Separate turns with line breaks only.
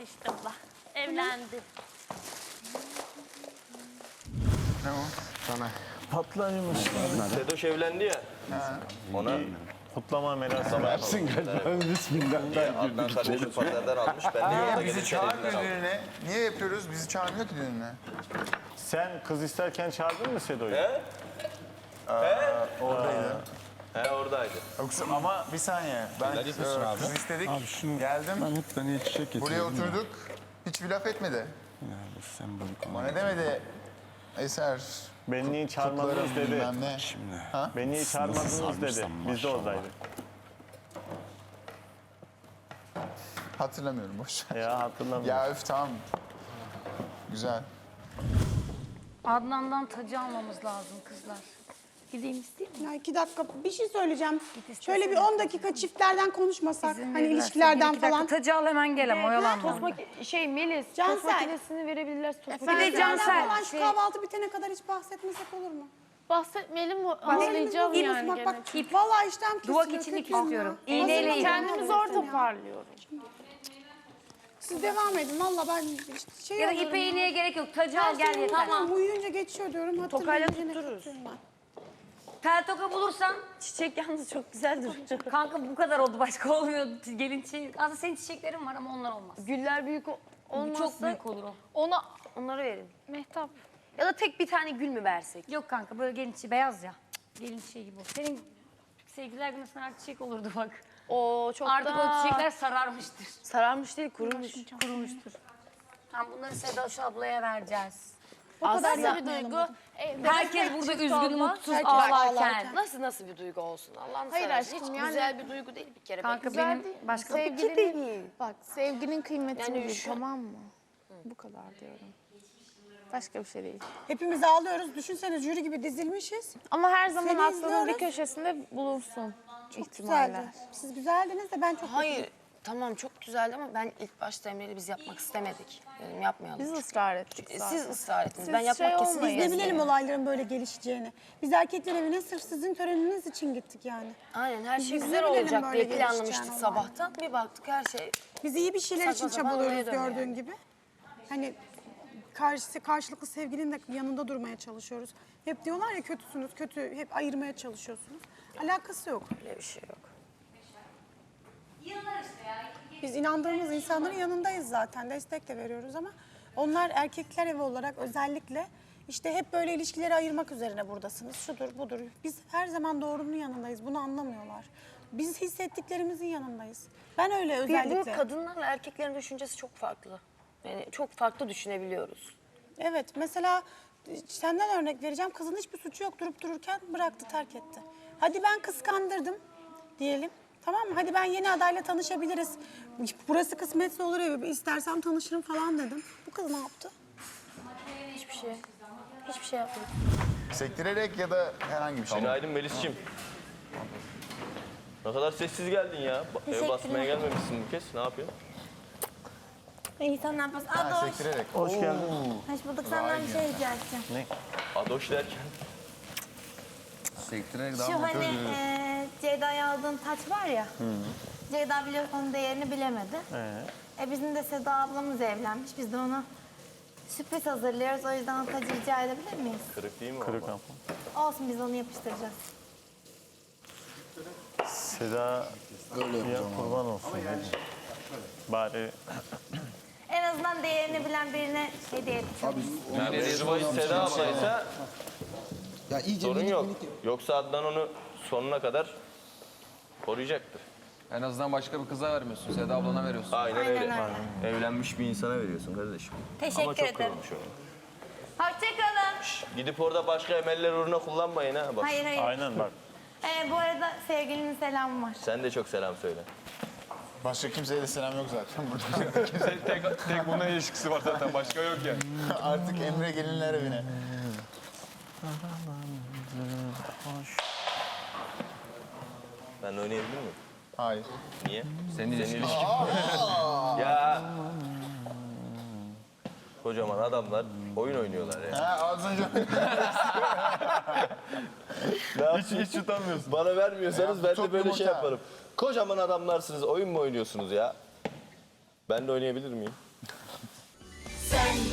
işte bu. Evlendi.
Ne o? Sana.
Patlaymış.
Sedoş evlendi ya. Ona
Kutlama merasimi.
Versin galiba. Bismillah.
Adnan kardeşim pazardan almış. Ben de yolda
Bizi
gelirken
çağırmıyor
elinden aldım.
düğününe. Niye yapıyoruz? Bizi çağırmıyor ki düğününe.
Sen kız isterken çağırdın mı Sedo'yu?
He?
Oradaydı.
He oradaydı.
Yoksa ama bir saniye. Ben kız istedik. Geldim.
Ben hep tane çiçek getirdim.
Buraya oturduk. Hiç bir laf etmedi.
Ya bu sembolik
Ama ne demedi? Eser.
Beni niye çağırmadınız
Kutlarım
dedi.
bilmem ne.
şimdi.
Beni niye çağırmadınız dedi.
sarmışsam
Biz de
maşallah.
oradaydık.
Hatırlamıyorum boş ver.
Ya hatırlamıyorum.
Ya öf tamam. Güzel.
Adnan'dan tacı almamız lazım kızlar. Gideyim isteyeyim mi?
Ya 2 dakika bir şey söyleyeceğim.
istesene.
Şöyle bir 10 dakika çiftlerden konuşmasak.
İzin
Hani
verirlerse
ilişkilerden
bir iki dakika
falan.
Tacı al hemen gel ama oyalanma.
Melis,
Cansel.
tost makinesini verebilirler. Tost
Bir de
makinesini.
Cansel.
Falan şu kahvaltı bitene kadar hiç bahsetmesek olur mu?
Bahsetmeyelim mi?
Elimiz
Ağlayacağım
bozulmasın.
yani
Bak
gene.
bak. Vallahi iştahım kesiliyor.
Duvak içini
kötüyüm
istiyorum.
ya.
İğneyle
Hazırlanın.
iyi.
Kendimi zor toparlıyorum.
Siz devam edin. Valla ben şey
Ya da
alıyorum
ipe
ya.
iğneye gerek yok. Tacı al gel yeter.
Tamam uyuyunca geçiyor diyorum.
Tokayla
Hatırlayınca ne
tuttururuz.
kötüyüm ben.
Tel toka bulursan
Çiçek yalnız çok güzel duruyor.
kanka bu kadar oldu başka olmuyor. Gelin çiçeği. Aslında senin çiçeklerin var ama onlar olmaz.
Güller büyük olmazsa
Çok büyük olur o.
onları verin.
Mehtap.
Ya da tek bir tane gül mü versek?
Yok kanka böyle gelin çiçeği beyaz ya. Gelin çiçeği gibi o. Senin sevgililer günü sana çiçek olurdu bak.
Oo çok
Artık
daha
o çiçekler sararmıştır.
sararmış değil, kurumuş.
Kurumuştur. Tamam bunları Sedoş ablaya vereceğiz.
Aslında bir duygu.
Herkes burada üzgün, mutsuz,
Herkes
ağlarken.
ağlarken.
Nasıl bir duygu olsun Allah'ını
Hayır
seversen.
aşkım,
Hiç
yani-
güzel bir duygu değil bir kere.
Kanka
Güzel
benim
değil.
başka
Sevgilinin, bak sevginin kıymetini
Yani
bil,
şu-
tamam mı? Bu kadar diyorum. Başka bir şey değil.
Hepimiz ağlıyoruz. Düşünsene jüri gibi dizilmişiz.
Ama her zaman
Seni
aklının bir
izliyoruz.
köşesinde bulunsun
Çok
ihtimaller.
güzeldi. Siz güzeldiniz de ben çok
Hayır tamam çok güzeldi ama ben ilk başta Emre'yle biz yapmak istemedik. Dedim yapmayalım.
Biz ısrar ettik zaten.
Siz ısrar ettiniz.
Siz
Ben yapmak
şey
kesinlikle
olmayın.
Biz ne bilelim
istemiyorum.
olayların böyle gelişeceğini. Biz erkekler evine sırf sizin töreniniz için gittik yani.
Aynen her şey
Biz
güzel
ne bilelim
olacak
böyle
diye
gelişeceğini
planlamıştık
olayları.
sabahtan. Bir baktık her şey
Biz iyi bir şeyler için
Saçma sapan
çabalıyoruz
olaya dönüyor
gördüğün
yani.
gibi. Hani karşılıklı sevgilinin de yanında durmaya çalışıyoruz. Hep diyorlar ya kötüsünüz, kötü, hep ayırmaya çalışıyorsunuz. Alakası yok.
öyle bir şey yok.
Biz inandığımız insanların yanındayız zaten, destek de veriyoruz ama onlar erkekler evi olarak özellikle işte hep böyle ilişkileri ayırmak üzerine buradasınız. Şudur, budur. Biz her zaman doğrunun yanındayız. Bunu anlamıyorlar. Biz hissettiklerimizin yanındayız. Ben öyle
Bu
özellikle.
kadınlarla erkeklerin düşüncesi çok farklı. Yani çok farklı düşünebiliyoruz.
Evet, mesela senden örnek vereceğim. Kızın hiçbir suçu yok durup dururken bıraktı, terk etti. Hadi ben kıskandırdım diyelim. Tamam mı? Hadi ben yeni adayla tanışabiliriz. Burası kısmetse olur ya, istersem tanışırım falan dedim. Bu kız ne yaptı?
Hiçbir şey. Hiçbir şey yapmadık.
Sektirerek ya da herhangi bir şey.
Günaydın Melis'ciğim. Ne kadar sessiz geldin ya. Ev basmaya gelmemişsin bu kez. Ne yapıyorsun?
İyi sen ne yapıyorsun?
Ha,
Adoş.
sektirerek.
Hoş geldin.
Hoş bulduk. Senden bir şey rica edeceğim.
Adoş derken.
Sektirerek daha
Şu
mı?
hani Ceyda'ya aldığın taç var ya. Ceyda biliyorsun onun değerini bilemedi. Bizim de Seda ablamız evlenmiş. Biz de ona sürpriz hazırlıyoruz. O yüzden o tacı rica edebilir miyiz?
Kırık değil mi
Kırık
ama?
ama.
Olsun biz onu yapıştıracağız.
Seda ya kurban olsun. dedi. Bari
En azından değerini bilen birine hediye edeceğim.
Mevzubayı Seda ablaysa
Ya iyice
sorun yok. Yoksa Adnan onu sonuna kadar koruyacaktır.
En azından başka bir kıza vermiyorsun. Seda ablana veriyorsun.
Aynen,
Aynen
öyle.
öyle.
Evlenmiş bir insana veriyorsun kardeşim.
Teşekkür
Ama çok
ederim.
kırılmış o.
Hoşçakalın.
Gidip orada başka emeller uğruna kullanmayın ha. Bak.
Hayır hayır.
aynen bak.
Bu arada sevgilinin selamı var.
Sen de çok selam söyle.
Başka kimseye de selam yok zaten burada.
Tek bununla ilişkisi var zaten. Başka yok ya.
Artık Emre gelinler evine.
Ben oynayabilir miyim?
Hayır.
Niye?
Senin ilişkin.
Ya. Kocaman adamlar oyun oynuyorlar ya.
Ha az önce
Hiç utanmıyorsun. Bana vermiyorsanız ben
çok
de böyle şey
yumurta.
yaparım. Kocaman adamlarsınız, oyun mu oynuyorsunuz ya? Ben de oynayabilir miyim?
Sen